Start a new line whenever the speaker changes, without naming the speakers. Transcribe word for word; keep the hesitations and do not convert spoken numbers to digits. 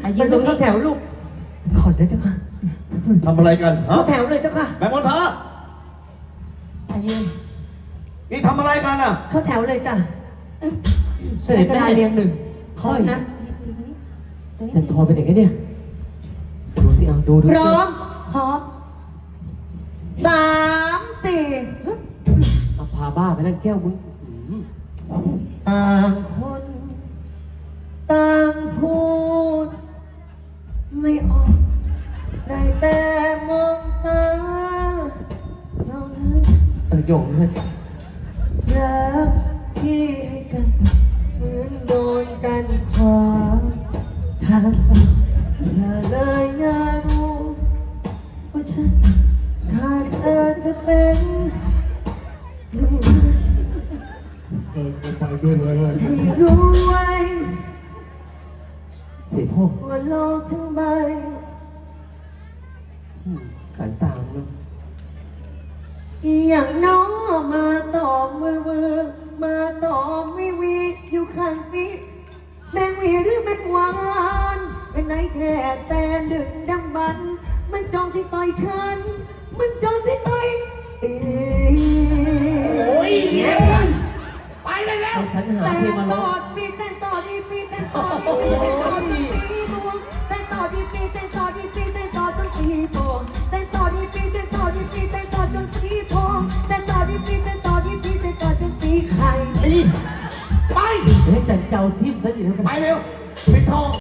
ยืนตรงนี้แถวลูกขอดนะเจ้าค่ะ
ทำอะไรกันฮะ
เข้าแถวเลยเจ้าค่ะ
แม่มนทา
อายืน
นี่ทำอะไรกันอ่ะ
เข้าแถวเลยจ้ะ
เสด็จ
กระ
แม่
ดาษเรียงหนึ่งขอนะ
จันทรเป็นอย่างไงเนี่ยดูสิเอาดูดู
พร้อม
พร้อม
สามสี่
เอาพาบ้าไปนั่งแก้วมึงอืม
ต่างคน ต่างพูด ไม่ออกได้แต่มองตาเราเลย
เออโยงเลย
รักที่ให้กันเหมือนโดนกันขวางทางอย่าเลยอย่ารู้ว่าฉันขาดเธอจะเป็นยังไง
เออไปด้วยเลย
ให้รู้ไว้
เสียพ่อ
ว่าโลกทั้งใบ
อืมสายตาเนาะ
อย่างน้องมาตอบมือมือมาตอบไม่วีอยู่ข้างปีแมงวีหรือแมงวานเป็นไหนแค่แต่ดึงดังบัน มันจองที่ต่อยฉัน มันจองที่ต่อยปี
โอ้ยไปเลยแล้ว
ไอ้สัญหา
แต่
เพลงมา
ต่
ร้
อ
อง
ปีแต่ต่อดีปีแต่ต่อดีปีแต่ต่อดีปีบวงแต่ต่อดีปีแต่ต่อดีปีแต่ต่อจนปีบวงแต่ต่อดีปีแต่ต่อดีปีแต่ต่อจนปีทองแต่ต่อดีปีแต่ต่อดีปีแต่ต่อจนปีไข่
ไป
เฮ้ยจันเจ้าทิมซะดิแล้วกัน
ไปเร็วปิดทอง